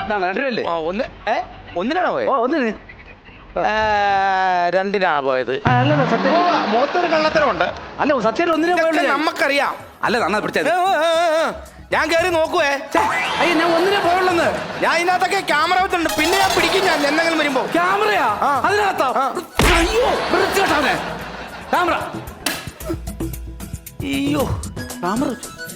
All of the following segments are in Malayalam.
രണ്ടിനല്ലേ? ഒന്നിനാണോ പോയത്? ഒന്നിന്. രണ്ടിനാണ് പോയത്. മൊത്തൊരു കള്ളത്തരമുണ്ട്. അല്ല സത്യം ഒന്നിനെ പോയുള്ളൂ. നമുക്കറിയാം. അല്ല നന്നാ പിടിച്ചത്. ഞാൻ കയറി നോക്കുവേ. അയ്യോ ഞാൻ ഒന്നിനെ പോയുള്ളെന്ന്. ഞാൻ ഇതിനകത്തൊക്കെ ക്യാമറ വെച്ചിട്ടുണ്ട്. പിന്നെ ഞാൻ പിടിക്കും. ഞാൻ എന്തെങ്കിലും വരുമ്പോ ക്യാമറയാ അതിനകത്താ? അയ്യോ വൃത്തികെട്ടവനെ. ക്യാമറ. അയ്യോ ക്യാമറ.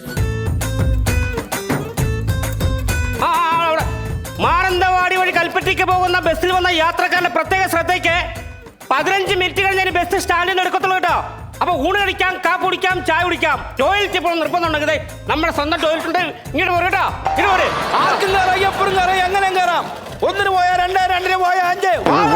മാനന്തവാടി വഴി കൽപ്പറ്റയ്ക്ക് പോകുന്ന ബസ്സിൽ വന്ന യാത്രക്കാരുടെ പ്രത്യേക ശ്രദ്ധയ്ക്ക് 15 മിനിറ്റ് കഴിഞ്ഞ് ബസ് സ്റ്റാൻഡിൽ നിന്ന് എടുക്കത്തുള്ളൂ കേട്ടോ. അപ്പൊ ഊണ് കഴിക്കാം, കാപ്പ് കുടിക്കാം, ചായ കുടിക്കാം. ടോയ്ലറ്റ് ഇപ്പോൾ നിർബന്ധമുണ്ടെങ്കിൽ നമ്മുടെ സ്വന്തം ടോയ്ലറ്റ് ഉണ്ട്. ഇങ്ങോട്ട് പോരും കേട്ടോ. ഇങ്ങോട്ട് പോര്. ആർക്കും കയറാം, എപ്പോഴും കയറാം, എങ്ങനെ കയറാം. ഒന്നിന് പോയാ 2, 2 പോയാ 5.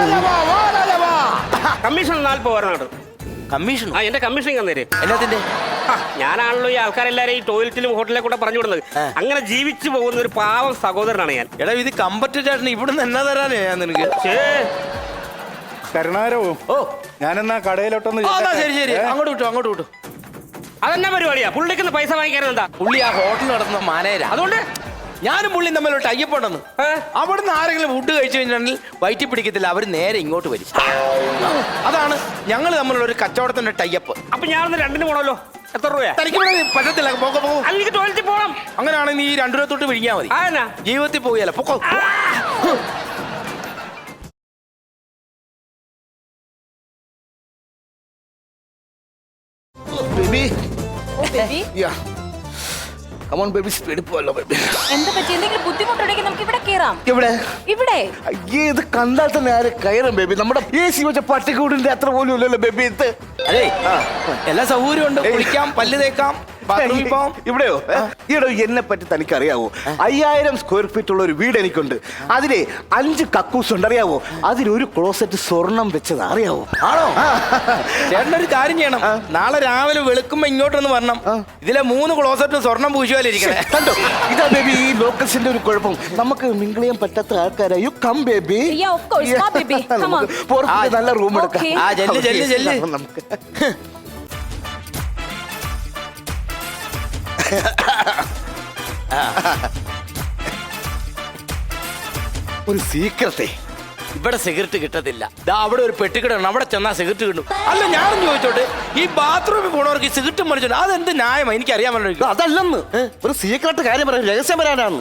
കമ്മീഷൻ 40 വരണം. കമ്മീഷൻ? ആ എന്റെ കമ്മീഷൻ തന്നേര്. എല്ലാത്തിന്റെ? ഞാനാണല്ലോ ഈ ആൾക്കാരെല്ലാരും ഈ ടോയ്ലറ്റിലും ഹോട്ടലിലും കൂടെ പറഞ്ഞു വിടുന്നത്. അങ്ങനെ ജീവിച്ചു പോകുന്ന ഒരു പാവം സഹോദരനാണ് ഞാൻ. എടാ ഇത് കമ്പറ്റ് ചേട്ടൻ ഇവിടുന്ന് എന്നാ തരാനേ ഞാൻ നിനക്ക്? കരുണാകരവും ഞാനെന്നാ കടയിലോട്ടൊന്ന്. ശരി ശരി, അങ്ങോട്ട് വിട്ടു, അങ്ങോട്ട് വിട്ടു. അതെന്നാ പരിപാടിയാ? പുള്ളിക്കുന്ന പൈസ വാങ്ങിക്കാനെന്താ? പുള്ളി ആ ഹോട്ടൽ നടത്തുന്ന മാനേജരാ. അതുകൊണ്ട് ഞാനും പുള്ളിയും തമ്മിലോട്ട് അയ്യപ്പുണ്ടെന്ന്. അവിടുന്ന് ആരെങ്കിലും ഫുഡ് കഴിച്ചു കഴിഞ്ഞാൽ വയറ്റി പിടിക്കത്തില്ല, അവർ നേരെ ഇങ്ങോട്ട് വരും. അതാണ് ഞങ്ങൾ തമ്മിലുള്ള ഒരു കച്ചവടത്തിന്റെ ടൈപ്പ്. അപ്പൊ ഞാനൊന്ന് 2 പോണല്ലോ. എത്ര രൂപയാ? തനിക്ക് പറ്റത്തില്ല. പോകും. അല്ലെങ്കിൽ ടോയ്ലറ്റിൽ പോകണം. അങ്ങനെയാണെങ്കിൽ നീ 2 രൂപ തൊട്ട് വിഴിഞ്ഞാൽ മതി. ജീവിതത്തിൽ പോയല്ല പൊക്കോ. Baby Yeah. Come on, baby, speed പോയല്ലോ ബേബി. എന്താ പറ്റി? എന്തെങ്കിലും ബുദ്ധിമുട്ടുണ്ടെങ്കിൽ നമുക്ക് ഇവിടെ കേറാം. ഇവിടെ അയ്യേ ഇത് കണ്ടാൽ തന്നെ ആര് കയറും ബേബി? നമ്മുടെ AC വെച്ച പട്ടിക്കൂടിന്റെ അത്ര പോലും ഇല്ലല്ലോ ബേബി ഇത്. അതെ എല്ലാ സൗകര്യം ഉണ്ട്. കുളിക്കാം, പല്ല് തേക്കാം, ബാത്റൂമിൽ പോവാം. ഇവിടെയോ? ഈടോ എന്നെ പറ്റി തനിക്ക് അറിയാവോ? 5000 സ്ക്വയർ ഫീറ്റ് ഉള്ള ഒരു വീട് എനിക്കുണ്ട്. അതിലെ 5 കക്കൂസ് ഉണ്ട്, അറിയാവോ? അതിലൊരു ക്ലോസറ്റ് സ്വർണം വെച്ചത് അറിയാവോ? ആണോ? ചേട്ടനൊരു കാര്യം ചെയ്യണം. നാളെ രാവിലെ വെളുക്കുമ്പോ ഇങ്ങോട്ടൊന്ന് വരണം. ഇതിലെ 3 ക്ലോസറ്റ് സ്വർണം പൂശുവാലിരിക്കണേ. കണ്ടോ? ഇതാ ബേബി ഈ ലോക്കൽസിന്റെ ഒരു കുഴപ്പം. നമുക്ക് മിങ്കിൾ ചെയ്യാൻ പറ്റാത്ത ആൾക്കാരാ. You come baby. Yeah, of course. Come, baby. Come on. പുറത്ത് നല്ല റൂം എടുക്കാം. Okay. ആ ചെല്ല്. നമുക്ക് ഒരു സീക്രട്ടേ. ഇവിടെ സിഗരറ്റ് കിട്ടത്തില്ല. അവിടെ ഒരു പെട്ടിക്കിടണം, അവിടെ ചെന്നാ സിഗരറ്റ് കിട്ടും. അല്ല ഞാനും ചോദിച്ചോട്ടെ, ഈ ബാത്റൂമിൽ പോണവർക്ക് ഈ സിഗരറ്റ് മറിച്ചോണ്ട് അതെന്ത് ന്യായമാണ്? എനിക്ക് അറിയാൻ പറ്റില്ല. അതല്ലെന്ന് ഒരു സീക്രട്ട് കാര്യം പറയാൻ, രഹസ്യം വരാനാണ്.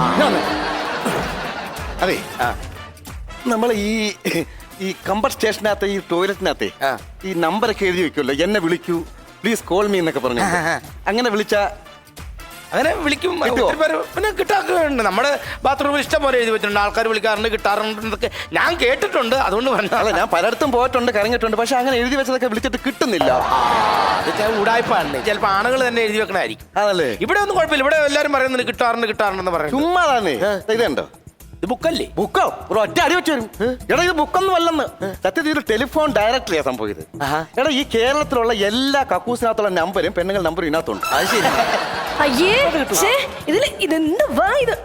അതെ നമ്മൾ ഈ കമ്പറ്റ് സ്റ്റേഷനകത്ത് ഈ ടോയ്ലറ്റിനകത്തെ ഈ നമ്പറൊക്കെ എഴുതി വെക്കുമല്ലോ, എന്നെ വിളിക്കൂ പ്ലീസ് കോൾ മീ എന്നൊക്കെ പറഞ്ഞു. അങ്ങനെ വിളിച്ച അങ്ങനെ വിളിക്കും. പിന്നെ കിട്ടാറുണ്ട്. നമ്മുടെ ബാത്റൂമിൽ ഇഷ്ടം പോലെ എഴുതി വെച്ചിട്ടുണ്ട്. ആൾക്കാർ വിളിക്കാറുണ്ട്, കിട്ടാറുണ്ട് എന്നൊക്കെ ഞാൻ കേട്ടിട്ടുണ്ട്. അതുകൊണ്ട് പറഞ്ഞാൽ ഞാൻ പലയിടത്തും പോയിട്ടുണ്ട്, കറങ്ങിയിട്ടുണ്ട്. പക്ഷെ അങ്ങനെ എഴുതി വെച്ചതൊക്കെ വിളിച്ചിട്ട് കിട്ടുന്നില്ല. അതൊക്കെ ഉടായ്പാണ്. ചിലപ്പോൾ ആണുങ്ങൾ തന്നെ എഴുതി വെക്കണായിരിക്കും. അതല്ലേ? ഇവിടെ ഒന്നും കുഴപ്പമില്ല. ഇവിടെ എല്ലാവരും പറയുന്നത് കിട്ടാറുണ്ടെന്ന് പറയുന്നത്. ചുമ്മാതാണ്. ഇതുണ്ടോ? ഇത് ബുക്കല്ലേ? ബുക്കോ? ഒരു ഒറ്റ അടി വെച്ച് വരും. എടാ ഇത് ബുക്കൊന്നും അല്ലെന്ന്. സത്യത്തിൽ ഇത് ടെലിഫോൺ ഡയറക്ടറിയാ സംഭവം ഇത്. എടാ ഈ കേരളത്തിലുള്ള എല്ലാ കക്കൂസിനകത്തുള്ള നമ്പരും പെണ്ണുങ്ങൾ നമ്പറും ഇതിനകത്തുണ്ട്. അത് ശരി. അയ്യേ ഇതില് ഇതെന്ത് വാ ഇത്?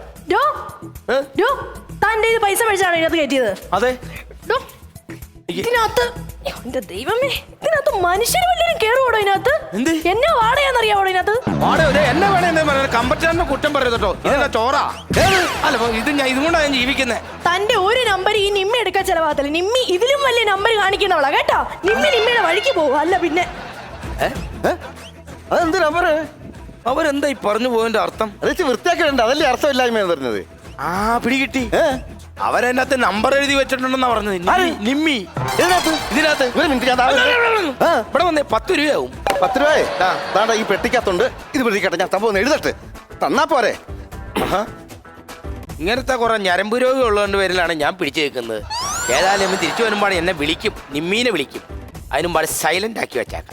തന്റെ ഇത് പൈസ മേടിച്ചാണ് ഇതിനകത്ത് കയറ്റിയത്? അതെ. ഇതിനകത്ത് എന്റെ ദൈവമേ, ഇതിനകത്ത് മനുഷ്യര് വല്ലതും കേറുവാടോ ഇതിനകത്ത്? എന്നെ വാടകയാന്നറിയാവോ ഇതിനകത്ത്? എന്നെ വേണേ കമ്പറ്റാറിന്റെ കുറ്റം പറയട്ടോ. ഇതെന്താ ചോറാ? അല്ല ഇതുകൊണ്ടാണ് ഞാൻ ജീവിക്കുന്നത്. തന്റെ ഒരു നമ്പർ ഈ നിമ്മ എടുക്കാൻ ചെലവാകത്തില്ല. നിമ്മി ഇതിലും വലിയ നമ്പർ കാണിക്കുന്നവളാ കേട്ടോ. നിമ്മയുടെ വഴിക്ക് പോകും. അല്ല പിന്നെ അതെന്ത് നമ്പറ്? അവരെന്താ ഈ പറഞ്ഞു പോയതിന്റെ അർത്ഥം? അത് വൃത്തിയാക്കിയിട്ടുണ്ട്, അതല്ലേ അർത്ഥമില്ലായ്മ പറഞ്ഞത്. പിടികിട്ടി. അവരതിനകത്ത് നമ്പർ എഴുതി വെച്ചിട്ടുണ്ടെന്നാ പറഞ്ഞത്. നിമ്മി ഇതിനകത്ത് ഇവിടെ വന്നേ 10 രൂപയാവും. 10 രൂപയെ താണ്ട ഈ പെട്ടിക്കകത്തുണ്ട്. ഇത് പിടിക്കട്ടെ, ഞാൻ സംഭവം എഴുതട്ടെ, തന്നാ പോരെ. ഇങ്ങനത്തെ കുറെ ഞരമ്പ് രോഗം ഉള്ളതുകൊണ്ട് പേരിലാണ് ഞാൻ പിടിച്ചു വെക്കുന്നത്. ഏതായാലും തിരിച്ചു വരുമ്പോഴാണ് എന്നെ വിളിക്കും, നിമ്മീനെ വിളിക്കും. അതിനുമ്പാട് സൈലന്റ് ആക്കി വെച്ചേക്കാം.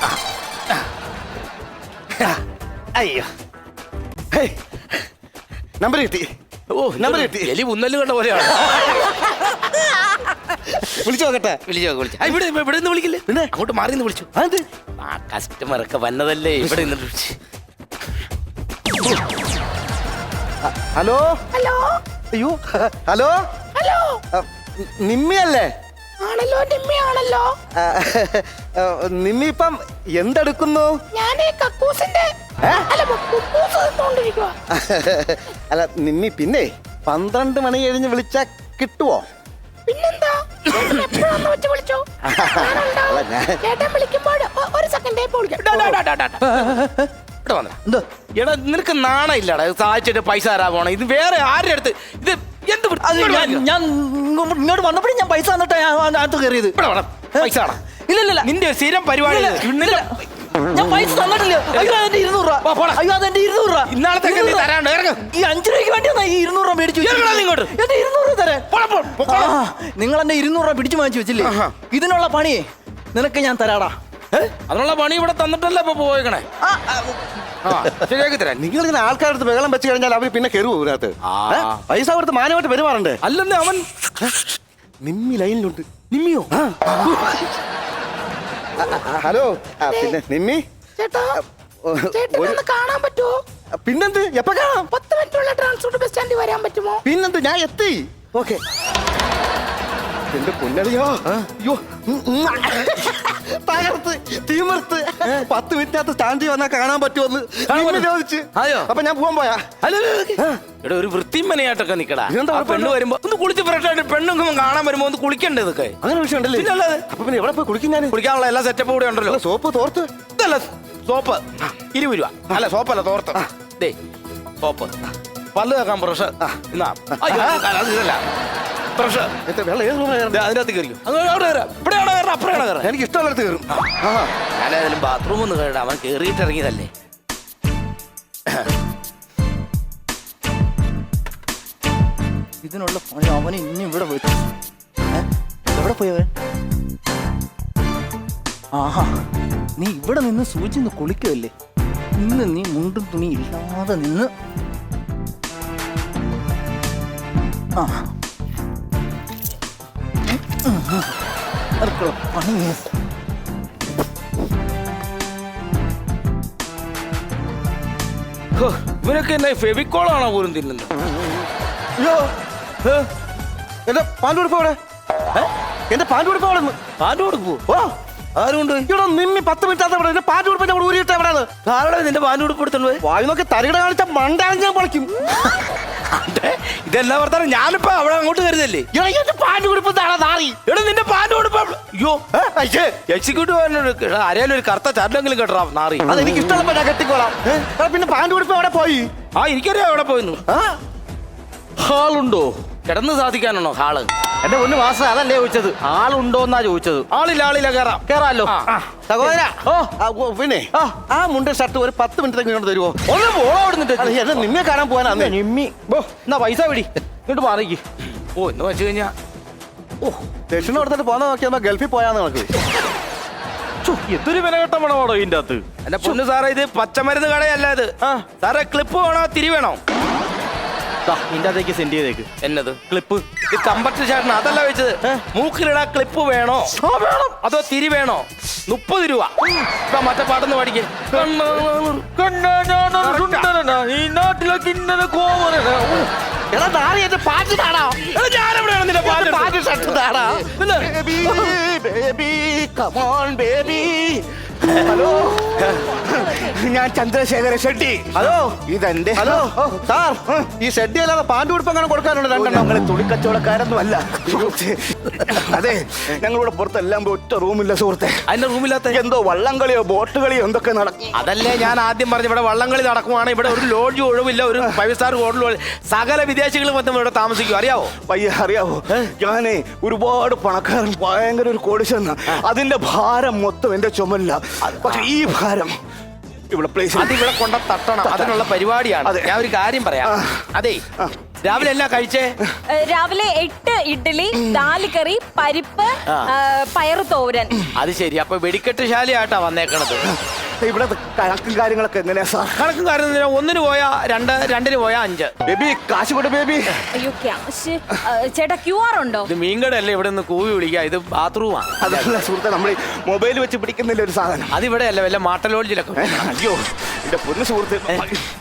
അയ്യോ നമ്പർ കിട്ടി. നമ്പർ കിട്ടി. എലി ഉന്നല് കണ്ട പോലെയാണ്. വിളിച്ചു നോക്കട്ടെ. ഇവിടെ നിന്ന് വിളിക്കില്ലേ? പിന്നെ അങ്ങോട്ട് മാറി നിന്ന് വിളിച്ചു. ആ കസ്റ്റമർ ഒക്കെ വന്നതല്ലേ, ഇവിടെ നിന്ന് വിളിച്ചു. Hello hello. അയ്യോ ഹലോ ഹലോ. നിമ്മിയല്ലേ? ആണല്ലോ, നിമ്മിയാണല്ലോ. നിമ്മി ഇപ്പം എന്തെടുക്കുന്നു? അല്ല നിമ്മി, പിന്നെ 12 മണി കഴിഞ്ഞ് വിളിച്ചാ കിട്ടുവോ? പിന്നെന്താ എപ്പോഴാന്ന് വെച്ച് വിളിച്ചോ അല്ല, ഞാൻ- ചേട്ടൻ വിളിക്കുമ്പോൾ ഒരു സെക്കൻഡേ ഇവിടെ വന്നോ. എടാ നിനക്ക് നാണ ഇല്ലടാ സഹായിച്ചിട്ട് പൈസ തരാൻ പോണം. ഇത് വേറെ ആരുടെ അടുത്ത് ഇത് എന്ത് വൃത്തി- അത് ഇവിടെ ഞാൻ വന്നോ. ഞാൻ ഇങ്ങോട്ട് വന്നപ്പോഴും ഞാൻ പൈസ തന്നിട്ടാ ഞാൻ അകത്ത് കയറിയത്. ഇവിടെ വേണം പൈസ വേണം. ഇല്ല നിന്റെ ഒരു സ്ഥിരം പരിപാടി ഇല്ല, ഇത്. ഇല്ല. ഞാൻ പൈസ തന്നിട്ടില്ല. അയ്യോ അതെന്റെ 200 രൂപ. പോ, പോടാ. അയ്യോ അതെന്റെ 200 രൂപ. ഇന്നാളത്തേക്ക് നീ തരാണ്ട് ഇറങ്ങ്. ഈ 5 രൂപയ്ക്ക് വേണ്ടിയാ ഈ 200 രൂപ മേടിച്ചു വെച്ചത്. ഇറങ്ങടാ നീ ഇങ്ങോട്ട്. എന്റെ 200 രൂപ തരാൻ. പോടാ. നിങ്ങൾ എന്റെ 200 രൂപ പിടിച്ചു വാങ്ങിച്ചു വെച്ചില്ലേ? ഇതിനുള്ള പണിയെ നിനക്ക് ഞാൻ തരാടാ. അതിനുള്ള പണി ഇവിടെ തന്നിട്ടല്ലേ ഇപ്പൊ പോയേക്കണേ. ആ, ആ, ശരിയാക്കി തരാം. നിങ്ങൾ ഇങ്ങനെ ആൾക്കാരുടെ അടുത്ത് ബഹളം വെച്ച് കഴിഞ്ഞാൽ അവർ പിന്നെ കയറുവോ ഇതിനകത്ത്? പൈസ കൊടുത്ത് മാനമായിട്ട് പെരുമാറണ്ടേ? അല്ലെന്നേ അവൻ നിമ്മി ലൈനിലുണ്ട്. നിമ്മിയോ? ഹലോ പിന്നെ നിമ്മി ചേട്ടാ ചേട്ടനൊന്ന് കാണാൻ പറ്റുമോ? പിന്നെന്ത് എപ്പോ കാണാം? 10 മിനിറ്റുള്ള ട്രാൻസ്പോർട്ട് ബസ് സ്റ്റാൻഡിൽ വരാൻ പറ്റുമോ? പിന്നെന്ത് ഞാൻ എത്തി. ഓക്കെ എന്റെ പൊന്നടിയോ അയ്യോ തകർത്ത് തീമർത്ത് 10 മിനിറ്റിനകത്ത് സ്റ്റാൻഡിൽ വന്നാൽ കാണാൻ പറ്റുമെന്ന് നിമ്മി ചോദിച്ച്. അതെയോ? അപ്പൊ ഞാൻ പോകാൻ പോയാ? ഇവിടെ ഒരു വൃത്തിമനയായിട്ടൊക്കെ നിക്കടാ. ഇതെന്താ ആ പെണ്ണ് വരുമ്പോ ഒന്ന് കുളിച്ച് ഫ്രഷ് ആയിട്ട് പെണ്ണും കാണാൻ വരുമ്പോ ഒന്ന് കുളിക്കണ്ടേ ഇതൊക്കെ? അങ്ങനെ വിഷയമുണ്ടല്ലേ? പിന്നെ അല്ലാതെ. അപ്പൊ പിന്നെ എവിടെ പോയി കുളിക്കും ഞാൻ? കുളിക്കാനുള്ള എല്ലാ സെറ്റപ്പും കൂടെ ഉണ്ടല്ലോ. സോപ്പ് തോർത്ത് ഇതല്ല സോപ്പ് 20 രൂപ. അല്ല സോപ്പല്ല തോർത്ത്. ദേ സോപ്പ് പല്ല് കേൾക്കാൻ ബ്രഷ്. ഇന്നാ അയ്യോ, അത് ഇതല്ല ബ്രഷ്. വെള്ളം ഏത് റൂമിലാ കയറുന്നത്? അതിനകത്ത് കയറിക്കും. അവിടെ കയറാം. ഇവിടെയാണോ കയറാം അപ്പുറയാണോ കയറാം? എനിക്ക് ഇഷ്ടമുള്ളിടത്ത് കയറും. ഞാനേതായാലും ബാത്റൂം ഒന്ന് കയറാം. അവൻ കയറിയിട്ട് ഇറങ്ങിയതല്ലേ. ഇതിനുള്ള പണി അവന് ഇനി ഇവിടെ വെച്ചു. എവിടെ പോയവൻ? ആഹാ, നീ ഇവിടെ നിന്ന് സൂചിന്ന് കുളിക്കുമല്ലേ? ഇന്ന് നീ മുണ്ടും തുണി ഇല്ലാതെ നിന്ന് ആ അവർക്കുള്ള പണി ഹോ, ഇവനൊക്കെ എന്നെ ഫെവിക്കോളാണോ പോലും തിന്നുന്നത്? അയ്യോ എന്റെ പാൻറ് കൊടുപ്പോ അവിടെ? എന്റെ പാൻറ് കൊടുപ്പോ അവിടെ നിന്ന് പാൻറ് കൊടുക്കൂ. ഓ ആരുണ്ട്? ഇവിടെ നിമ്മി 10 മിനിറ്റ് അവിടെ എന്റെ പാൻറ് കൊടുപ്പോ ഞാൻ ഊരിയിട്ട് എവിടെയാണ്? ആരുടെ നിന്റെ പാൻറ് കൊടുപ്പെടുത്തുള്ളൂ? വായു നോക്കി തരികട കാണിച്ച മണ്ടാണ് ഞാൻ പൊളിക്കും. ഇതെല്ലാം വർത്താനം. ഞാനിപ്പോ അവിടെ അങ്ങോട്ട് കരുതല്ലേ. പാൻറ് കൊടുപ്പ് നാറി. എടാ നിന്റെ പാൻറ് കൊടുപ്പ. അയ്യോ എക്സിക്യൂട്ടീവ് ആരെയാലും ഒരു കറുത്ത ചാരലെങ്കിലും കേട്ടോ നാറി. അതെനിക്ക് ഇഷ്ടമുള്ളപ്പോ ഞാൻ കെട്ടിക്കോളാം. പിന്നെ പാൻറ് കൊടുപ്പ് അവിടെ പോയി. ആ എനിക്കറിയാം എവിടെ പോയിന്നു. ഹാളുണ്ടോ? കിടന്ന് സാധിക്കാനാണോ ഹാള്? എന്റെ ഒന്ന് മാസം അതല്ലേ ചോദിച്ചത്, ആളുണ്ടോന്നാ ചോദിച്ചത്. ആളില്ല കയറാം. കേറാലോ. സഹോദര പിന്നെ ആ മുണ്ട ഷർട്ട് ഒരു 10 മിനിറ്റ് ഇങ്ങോട്ട് തരുമോ? ഒന്ന് പോളോ അവിടുന്നിട്ട്. എന്നെ നിന്നെ കാണാൻ പോകാനാ. നിമ്മി ബോ എന്നാ പൈസ പിടി ഇങ്ങോട്ട് മാറിക്ക്. ഓ എന്ന് വെച്ച് കഴിഞ്ഞാ ദക്ഷിണ കൊടുത്തിട്ട് പോകാൻ നോക്കിയാൽ ഗൾഫിൽ പോയാന്ന് നമുക്ക്. എന്തൊരു വിലകെട്ട മണമാണോ ഇതിന്റെ അകത്ത്? എന്റെ പൊന്നു സാറേ ഇത് പച്ചമരുന്ന് കടയല്ല ഇത്. സാറേ ക്ലിപ്പ് വേണോ തിരി വേണോ? ഇതിന്റെ അകത്തേക്ക് സെൻഡ് ചെയ്തേക്ക്. എന്നത് ക്ലിപ്പ്? ഇത് കമ്പറ്റ് ചേട്ടൻ അതല്ല വെച്ചത്. മൂക്കിലിടാ ക്ലിപ്പ് വേണോ വേണം അതോ തിരി വേണോ? 30 രൂപ. ഇപ്പൊ മറ്റേ പാട്ടൊന്ന് പാടിക്കേ. ഈ നാട്ടിലെ കിന്നര കോമരനാ. എടാ നാളെ എന്റെ പാട്ട് താടാ. ഞാനെവിടെയാണ് നിന്റെ പാട്ട്? പാട്ട് ഷർട്ട് താടാ. Baby come on baby. ഹലോ ഞാൻ ചന്ദ്രശേഖര ഷെട്ടി. ഹലോ ഇതെന്റെ. ഹലോ സാർ ഈ ഷെഡ്ഡി അല്ലാതെ പാൻറ് ഉടുപ്പ് അങ്ങനെ കൊടുക്കാനുണ്ട് രണ്ടെണ്ണം. ഞങ്ങളെ തുണിക്കച്ചവടക്കാരൊന്നും അല്ല. അതെ ഞങ്ങളിവിടെ പുറത്തെല്ലാം പോയി ഒറ്റ റൂമില്ല സുഹൃത്തെ. അതിന്റെ റൂമില്ലാത്ത എന്തോ വള്ളംകളിയോ ബോട്ട് കളിയോ എന്തൊക്കെ നടക്കും. അതല്ലേ ഞാൻ ആദ്യം പറഞ്ഞു. ഇവിടെ വള്ളംകളി നടക്കുവാണ്. ഇവിടെ ഒരു ലോഡ്ജ് ഒഴിവില്ല. ഒരു 5 സ്റ്റാർ ഹോട്ടൽ. സകല വിദേശികൾ വന്ന് ഇവിടെ താമസിക്കും. അറിയാവോ? പയ്യ അറിയാവോ ഞാനേ ഒരുപാട് പണക്കാരൻ ഭയങ്കര ഒരു കോടീശ്വരനാ. അതിന്റെ ഭാരം മൊത്തം എന്റെ ചുമല്ല. പക്ഷെ ഈ ഭാരം ഇവിടെ പ്ലേസ് അതിവിടെ കൊണ്ട തട്ടണം. അതിനുള്ള പരിപാടിയാണ്. അതെ. ഞാൻ ഒരു കാര്യം പറയാം. അതെ രാവിലെ എല്ലാം കഴിച്ചേ? രാവിലെ 8 ഇഡ്ഡലി, 4 കറി, പരിപ്പ്, പയറ് തോരൻ. അത് ശരി. അപ്പൊ വെടിക്കെട്ട് ശാലയായിട്ടാ വന്നേക്കണത്. ഇവിടെ കണക്കും കാര്യങ്ങളൊക്കെ എങ്ങനെയാ സാർ? കണക്കും കാര്യം 1-ന് പോയാ 2, 2-ന് പോയാ 5. ബേബി കാശ് കൊടു ബേബി. അയ്യോ ക്യാഷ് ചേട്ടാ QR ഉണ്ടോ? ഇത് മീൻകടല്ലേ ഇവിടെ നിന്ന് കൂവി വിളിക്കുക. ഇത് ബാത്റൂമാണ്. അതല്ല സുഹൃത്തെ നമ്മൾ മൊബൈൽ വെച്ച് പിടിക്കുന്നില്ല ഒരു സാധനം. അതിവിടെ അല്ല വല്ല മാട്ടലോഡ്ജിലൊക്കെ. അയ്യോ എന്റെ പൊന്നു സുഹൃത്ത്.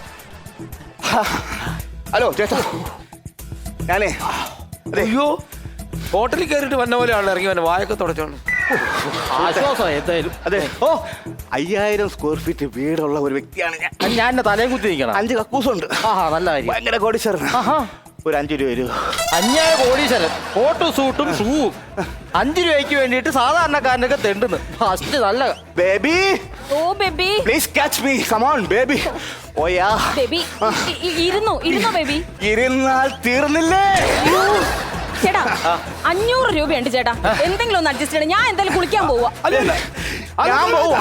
ഹലോ ചേട്ടാ ഞാനേ അതെ അയ്യോ ഹോട്ടലിൽ കയറിയിട്ട് വന്ന പോലെ ആൾ ഇറങ്ങി വന്നെ വായൊക്കെ തുടച്ചോണ്ട്. ആശ്വാസം എന്തായാലും. അതെ ഓ 5000 സ്ക്വയർ ഫീറ്റ് വീടുള്ള ഒരു വ്യക്തിയാണ് ഞാൻ. ഞാൻ എന്നെ തലയും കുത്തി നിൽക്കണം. 5 കക്കൂസുണ്ട്. ആഹാ നല്ല കാര്യം. ഭയങ്കര കോടീശ്വരൻ. ഒരു 5 രൂപ തരൂ. അന്യായ കോടീശ്വരൻ കോട്ടും സൂട്ടും ഷൂവും 5 രൂപയ്ക്ക് വേണ്ടിയിട്ട് സാധാരണക്കാരനൊക്കെ തെണ്ടുന്നു. ഫസ്റ്റ് നല്ല baby oh baby please catch me, come on baby. ഓയാ ബേബി ഇരുന്നോ ബേബി. ഇരുന്നാൽ തീർന്നില്ലേ? ചേട്ടാ 500 രൂപയുണ്ട് ചേട്ടാ, എന്തെങ്കിലും ഒന്ന് അഡ്ജസ്റ്റ് ചെയ്യണം. ഞാൻ എന്തായാലും കുളിക്കാൻ പോവാ. ഞാൻ പോവാ.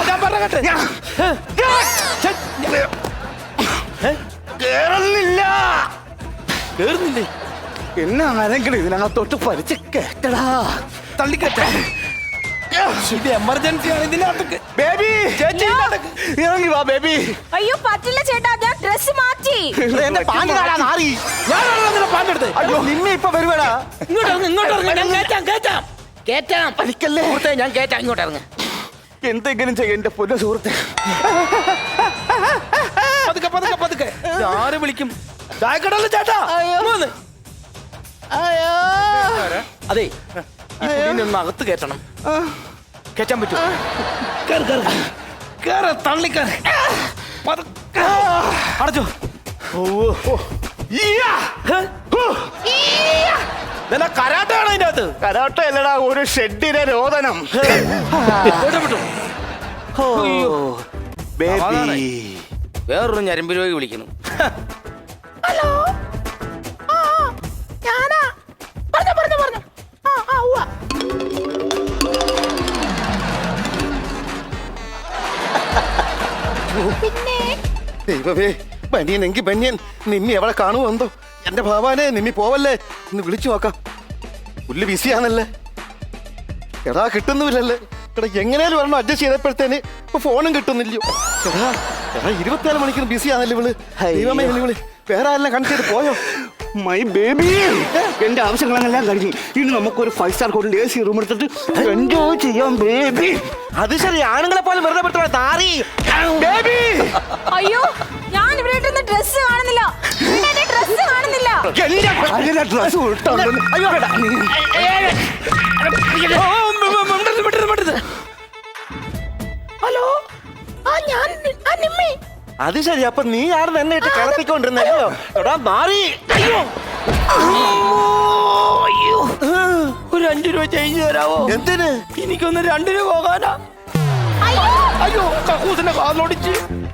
കേറുന്നില്ല. കേറുന്നില്ലേ? എന്നെ ആരെങ്കിലും ഇതിനകത്തോട്ട് പരിച്ച് കേട്ടടാ. തള്ളിക്കട്ടെ. ഇത് എമർജൻസി ആണ്. ഇതിനകത്ത് ബേബി ഇറങ്ങി വാ ബേബി. അയ്യോ പറ്റില്ല ചേട്ടാ, ഞാൻ ഡ്രസ് മാറ്റി. എന്റെ പാന്റ് കാണാൻ മാറി. ഞാനാണല്ലോ പാന്റ് എടുത്ത്. അയ്യോ നിന്നെ ഇപ്പൊ വരുവേടാ. ഇങ്ങോട്ട് ഇറങ്ങ്. ഞാൻ കേറ്റാം. വലിക്കല്ലേ. സുഹൃത്തേ, ഞാൻ കേറ്റാം. ഇങ്ങോട്ട് ഇറങ്ങ്. എന്തെങ്കിലും ചെയ്യ എന്റെ പൊന്ന സുഹൃത്തെ. പതുക്കെ. ആര് വിളിക്കും? ചായക്കടല്ലേ ചേട്ടാ? ഇങ്ങ്. അതെ, ഈ കുടീനെ ഒന്ന് അകത്ത് കേറ്റണം. കേറ്റാൻ പറ്റുമോ? കേറ്, തള്ളിക്കേറ്. അടച്ചോ. കരാട്ടാണ് അതിന്റെ അകത്ത്. കരാട്ട അല്ലടാ, ഒരു ഷെഡിനെ രോദനം. അയ്യോ. ബേബി വേറൊരു ഞരമ്പ് രോഗി വിളിക്കുന്നു. ദൈവമേ, ബനിയൻ എങ്കി ബനിയൻ. നിമ്മി എവിടെ കാണുമോ എന്തോ. എന്റെ ഭഗവാനെ, നിമ്മി പോവല്ലേ, ഇന്ന് വിളിച്ചു നോക്കാം. പുല്ല് ബിസിയാണല്ലേ. എടാ കിട്ടുന്നുമില്ലല്ലേ. എടാ എങ്ങനെയാലും വരണം അഡ്ജസ്റ്റ് ചെയ്തപ്പോഴത്തേന് ഇപ്പൊ ഫോണും കിട്ടുന്നില്ലയോ. എടാ 24 മണിക്കൂർ ബിസിയാണല്ലേ ഇവള്. ദൈവമേ, ഇവള് വേറെ ആരെല്ലാം കണക്ട് ചെയ്ത് പോയോ? മൈ ബേബി, എന്റെ ആവശ്യങ്ങളെല്ലാം കഴിഞ്ഞു. ഇനി നമുക്കൊരു 5 സ്റ്റാർ ഹോട്ടലിൽ AC റൂം എടുത്തിട്ട് എൻജോയ് ചെയ്യാം ബേബി. അത് ശരി, ആണുങ്ങളെ പോലും വെറുതെ പെടുത്തണം. താറി ബേബി അയ്യോ ഞാൻ ഇവിടെ ഡ്രസ് കാണുന്നില്ല. എന്റെ ഡ്രസ് കാണുന്നില്ല. എന്റെ ഡ്രസ് ഇട്ടുണ്ടെന്ന്. അയ്യോ കേട്ടാ. ഹലോ, ഞാൻ നിമ്മി. അത് ശരി, അപ്പൊ നീ ആരും എന്നെ ഇട്ട് കളത്തിക്കൊണ്ടിരുന്നല്ലോ. എടാ മാറി. അയ്യോ, ഒരു 5 രൂപ ചേഞ്ച് തരാവോ? എന്തിന്? എനിക്കൊന്ന് 2 രൂപ പോകാനാ. അയ്യോ, കക്കൂസിന്റെ കാലോടിച്ച്.